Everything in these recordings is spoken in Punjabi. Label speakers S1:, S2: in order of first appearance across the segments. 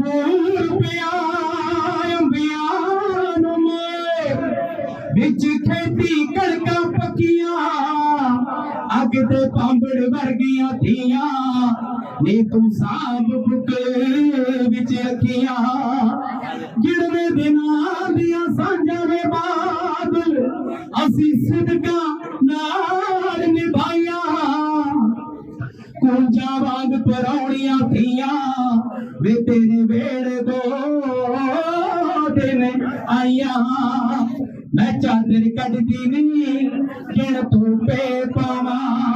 S1: अंगूर पिया अंबियां में बिच खेती कड़का पकिया अग ते पांबड़ वर्गियां थियां नी तू साब बुकल बिच अखियां गिड़वे दिनां दियां सांझां में बादल असी सिदका नाल निभाइया कुंजा वांग परौणियां थियां वे तेरे वेड़े दो दिन आइया मैं चादर कटदी नहीं किण तू पे पावा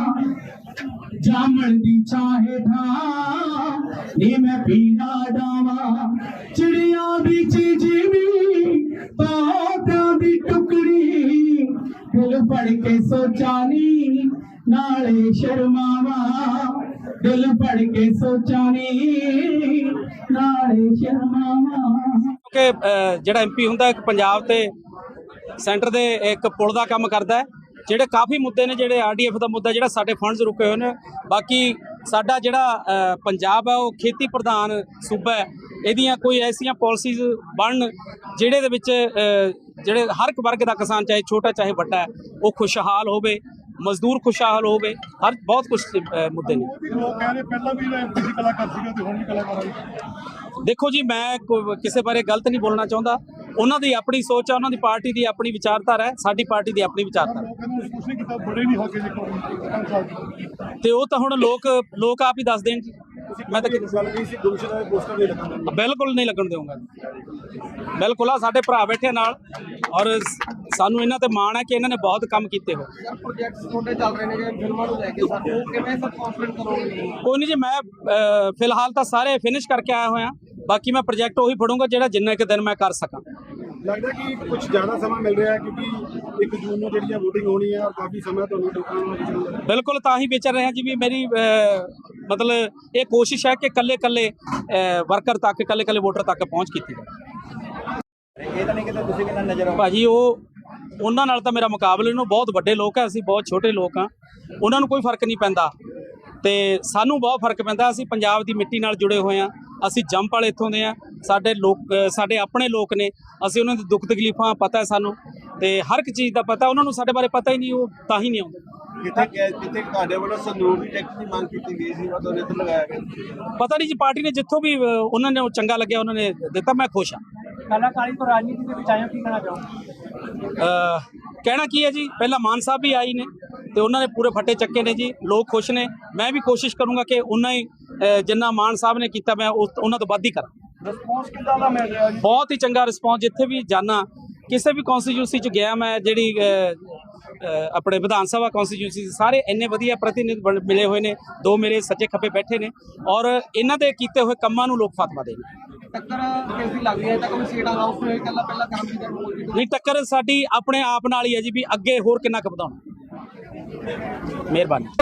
S1: जामन दी चाहे था नी मैं पीरा डावा चिड़िया दी चीजी तोता दी टुकड़ी दिल पढ़ के सोचा नी नाले शर्मावा दिल पढ़ के सोचा नी नाले शर्मावा
S2: कि ਜਿਹੜਾ ਐਮਪੀ ਹੁੰਦਾ ਇੱਕ ਪੰਜਾਬ ਤੇ ਸੈਂਟਰ ਦੇ ਇੱਕ ਪੁਲ ਦਾ ਕੰਮ ਕਰਦਾ ਹੈ। ਜਿਹੜੇ ਕਾਫੀ ਮੁੱਦੇ ਨੇ ਜਿਹੜੇ ਆਰਡੀਐਫ ਦਾ ਮੁੱਦਾ ਜਿਹੜਾ ਸਾਡੇ ਫੰਡਸ ਰੁਕੇ ਹੋਏ ਨੇ ਬਾਕੀ ਸਾਡਾ ਜਿਹੜਾ ਪੰਜਾਬ ਹੈ ਉਹ ਖੇਤੀ ਪ੍ਰਧਾਨ ਸੂਬਾ ਹੈ। ਇਹਦੀਆਂ ਕੋਈ ਐਸੀਆਂ ਪਾਲਿਸੀਜ਼ ਬਣਨ ਜਿਹੜੇ ਦੇ ਵਿੱਚ ਜਿਹੜੇ ਹਰ ਇੱਕ ਵਰਗ ਦਾ ਕਿਸਾਨ ਚਾਹੇ ਛੋਟਾ ਚਾਹੇ ਵੱਡਾ ਉਹ ਖੁਸ਼ਹਾਲ ਹੋਵੇ ਮਜ਼ਦੂਰ ਖੁਸ਼ਹਾਲ ਹੋਵੇ ਹਰ ਬਹੁਤ ਕੁਝ ਮੁੱਦੇ ਨੇ।
S3: ਲੋਕ ਕਹਿੰਦੇ ਪਹਿਲਾਂ ਵੀ ਐਮਪੀ ਕਲਾਕਾਰ ਸੀਗਾ ਤੇ ਹੁਣ ਵੀ ਕਲਾਕਾਰ।
S2: ਦੇਖੋ ਜੀ ਮੈਂ ਕਿਸੇ ਬਾਰੇ ਗਲਤ ਨਹੀਂ ਬੋਲਣਾ ਚਾਹੁੰਦਾ ਉਹਨਾਂ ਦੀ ਆਪਣੀ ਸੋਚ ਹੈ ਉਹਨਾਂ ਦੀ ਪਾਰਟੀ ਦੀ ਆਪਣੀ ਵਿਚਾਰਧਾਰਾ ਹੈ ਸਾਡੀ ਪਾਰਟੀ ਦੀ ਆਪਣੀ ਵਿਚਾਰਧਾਰਾ ਤੇ ਉਹ ਤਾਂ ਹੁਣ ਲੋਕ ਆਪ ਹੀ ਦੱਸ ਦੇਣ ਜੀ। ਮੈਂ ਤਾਂ ਬਿਲਕੁਲ ਨਹੀਂ ਲੱਗਣ ਦੇਵਾਂਗਾ ਬਿਲਕੁਲ ਆ ਸਾਡੇ ਭਰਾ ਬੈਠੇ ਨਾਲ ਔਰ ਸਾਨੂੰ ਇਹਨਾਂ ਤੇ ਮਾਣ ਹੈ ਕਿ ਇਹਨਾਂ ਨੇ ਬਹੁਤ ਕੰਮ ਕੀਤੇ ਹੋ। ਕੋਈ ਨਹੀਂ ਜੀ ਮੈਂ ਫਿਲਹਾਲ ਤਾਂ ਸਾਰੇ ਫਿਨਿਸ਼ ਕਰਕੇ ਆਇਆ ਹੋਇਆ ਬਾਕੀ ਮੈਂ ਪ੍ਰੋਜੈਕਟ ਉਹੀ ਫੜੂੰਗਾ ਜਿਹੜਾ ਜਿੰਨਾ ਇੱਕ ਦਿਨ ਮੈਂ ਕਰ ਸਕਾਂ।
S3: ਲੱਗਦਾ ਕਿ ਕੁਝ ਜ਼ਿਆਦਾ ਸਮਾਂ ਮਿਲ ਰਿਹਾ ਹੈ ਕਿਉਂਕਿ 1 ਜੂਨ ਨੂੰ ਜਿਹੜੀ ਵੋਟਿੰਗ ਹੋਣੀ ਹੈ ਔਰ ਕਾਫੀ ਸਮਾਂ ਤੁਹਾਨੂੰ ਲੋਕਾਂ ਨੂੰ
S2: ਬਿਲਕੁਲ ਤਾਂ ਹੀ ਵਿਚਰ ਰਹੇ ਹਾਂ ਜੀ ਵੀ ਮੇਰੀ ਮਤਲਬ ਇਹ ਕੋਸ਼ਿਸ਼ ਹੈ ਕਿ ਕੱਲੇ ਵਰਕਰ ਤੱਕ ਕੱਲੇ ਵੋਟਰ ਤੱਕ ਪਹੁੰਚ ਕੀਤੀ ਜਾਵੇ।
S3: ਇਹ ਤਾਂ ਨਹੀਂ ਕਿ ਤੁਸੀਂ ਕਿੰਨਾ ਨਜ਼ਰ
S2: ਭਾਜੀ ਉਹਨਾਂ ਨਾਲ ਤਾਂ ਮੇਰਾ ਮੁਕਾਬਲੇ ਨੂੰ ਬਹੁਤ ਵੱਡੇ ਲੋਕ ਹੈ ਅਸੀਂ ਬਹੁਤ ਛੋਟੇ ਲੋਕ ਹਾਂ ਉਹਨਾਂ ਨੂੰ ਕੋਈ ਫਰਕ ਨਹੀਂ ਪੈਂਦਾ ਤੇ ਸਾਨੂੰ ਬਹੁਤ ਫਰਕ ਪੈਂਦਾ। ਅਸੀਂ ਪੰਜਾਬ ਦੀ ਮਿੱਟੀ ਨਾਲ ਜੁੜੇ ਹੋਏ ਹਾਂ ਅਸੀਂ ਜੰਪ ਵਾਲੇ ਇੱਥੋਂ ਦੇ ਆ ਸਾਡੇ ਆਪਣੇ ਲੋਕ ਨੇ ਅਸੀਂ ਉਹਨਾਂ ਦੇ ਦੁੱਖ ਤਕਲੀਫਾਂ ਪਤਾ ਹੈ ਸਾਨੂੰ ਤੇ ਹਰ ਇੱਕ ਚੀਜ਼ ਦਾ ਪਤਾ ਉਹਨਾਂ ਨੂੰ ਸਾਡੇ ਬਾਰੇ ਪਤਾ ਹੀ ਨਹੀਂ ਉਹ ਤਾਂ ਹੀ ਨਹੀਂ ਆਉਂਦੇ।
S3: ਜਿੱਥੇ ਤੁਹਾਡੇ ਵੱਲੋਂ ਸੰਦੂਕ ਦੀ ਟੈਕਸ ਦੀ ਮੰਗ ਕੀਤੀ ਗਈ ਸੀ ਉਹ ਦੋਨੇ ਤੇ ਲਗਾਇਆ ਗਿਆ
S2: ਪਤਾ ਨਹੀਂ ਜੀ ਪਾਰਟੀ ਨੇ ਜਿੱਥੋਂ ਵੀ ਉਹਨਾਂ ਨੇ ਚੰਗਾ ਲੱਗਿਆ ਉਹਨਾਂ ਨੇ ਦਿੱਤਾ ਮੈਂ ਖੁਸ਼ ਹਾਂ।
S4: ਕਲਾਕਾਰੀ ਤੋਂ ਰਾਜਨੀਤੀ ਦੇ ਵਿੱਚ ਆਇਆ ਕੀ ਕਹਿਣਾ ਚਾਹੋ?
S2: ਕਹਿਣਾ ਕੀ ਹੈ ਜੀ ਪਹਿਲਾਂ ਮਾਨ ਸਾਹਿਬ ਵੀ ਆਈ ਨੇ ਤੇ ਉਹਨਾਂ ਨੇ ਪੂਰੇ ਫੱਟੇ ਚੱਕੇ ਨੇ ਜੀ ਲੋਕ ਖੁਸ਼ ਨੇ ਮੈਂ ਵੀ ਕੋਸ਼ਿਸ਼ ਕਰੂੰਗਾ ਕਿ ਉਹਨਾਂ ਹੀ ਜਿੰਨਾ ਮਾਨ ਸਾਹਿਬ ਨੇ ਕੀਤਾ ਮੈਂ ਉਹਨਾਂ ਤੋਂ ਵੱਧ ਹੀ ਕਰਾਂ।
S3: ਰਿਸਪੌਂਸ ਕਿੱਦਾਂ ਦਾ ਮਿਲ ਰਿਹਾ ਜੀ?
S2: ਬਹੁਤ ਹੀ ਚੰਗਾ ਰਿਸਪੌਂਸ ਜਿੱਥੇ ਵੀ ਜਾਣਾ ਕਿਸੇ ਵੀ ਕੌਂਸਟੀਟਿਊਂਸੀ 'ਚ ਗਿਆ ਮੈਂ ਜਿਹੜੀ ਆਪਣੇ ਵਿਧਾਨ ਸਭਾ ਕੌਂਸਟੀਟਿਊਂਸੀ ਸਾਰੇ ਇੰਨੇ ਵਧੀਆ ਪ੍ਰਤੀਨਿਧ ਮਿਲੇ ਹੋਏ ਨੇ ਦੋ ਮੇਰੇ ਸੱਜੇ ਖੱਬੇ ਬੈਠੇ ਨੇ ਔਰ ਇਹਨਾਂ ਦੇ ਕੀਤੇ ਹੋਏ ਕੰਮਾਂ ਨੂੰ ਲੋਕ ਫਤਵਾ ਦੇ ਨੇ।
S4: ਟੱਕਰ ਕਿਸ ਦੀ ਲੱਗਦੀ ਹੈ ਤਾਂ ਕੋਈ ਸੀਟ ਅਨਾਉਂਸ ਹੋਏ ਕੱਲਾ ਪਹਿਲਾਂ ਕੰਮ ਦੀ ਕਰਨੀ
S2: ਨਹੀਂ ਟੱਕਰ ਸਾਡੀ ਆਪਣੇ ਆਪ ਨਾਲ ਹੀ ਹੈ ਜੀ ਵੀ ਅੱਗੇ ਹੋਰ ਕਿੰਨਾ ਕੁ ਵਧਾਉਣਾ। ਮਿਹਰਬਾਨੀ।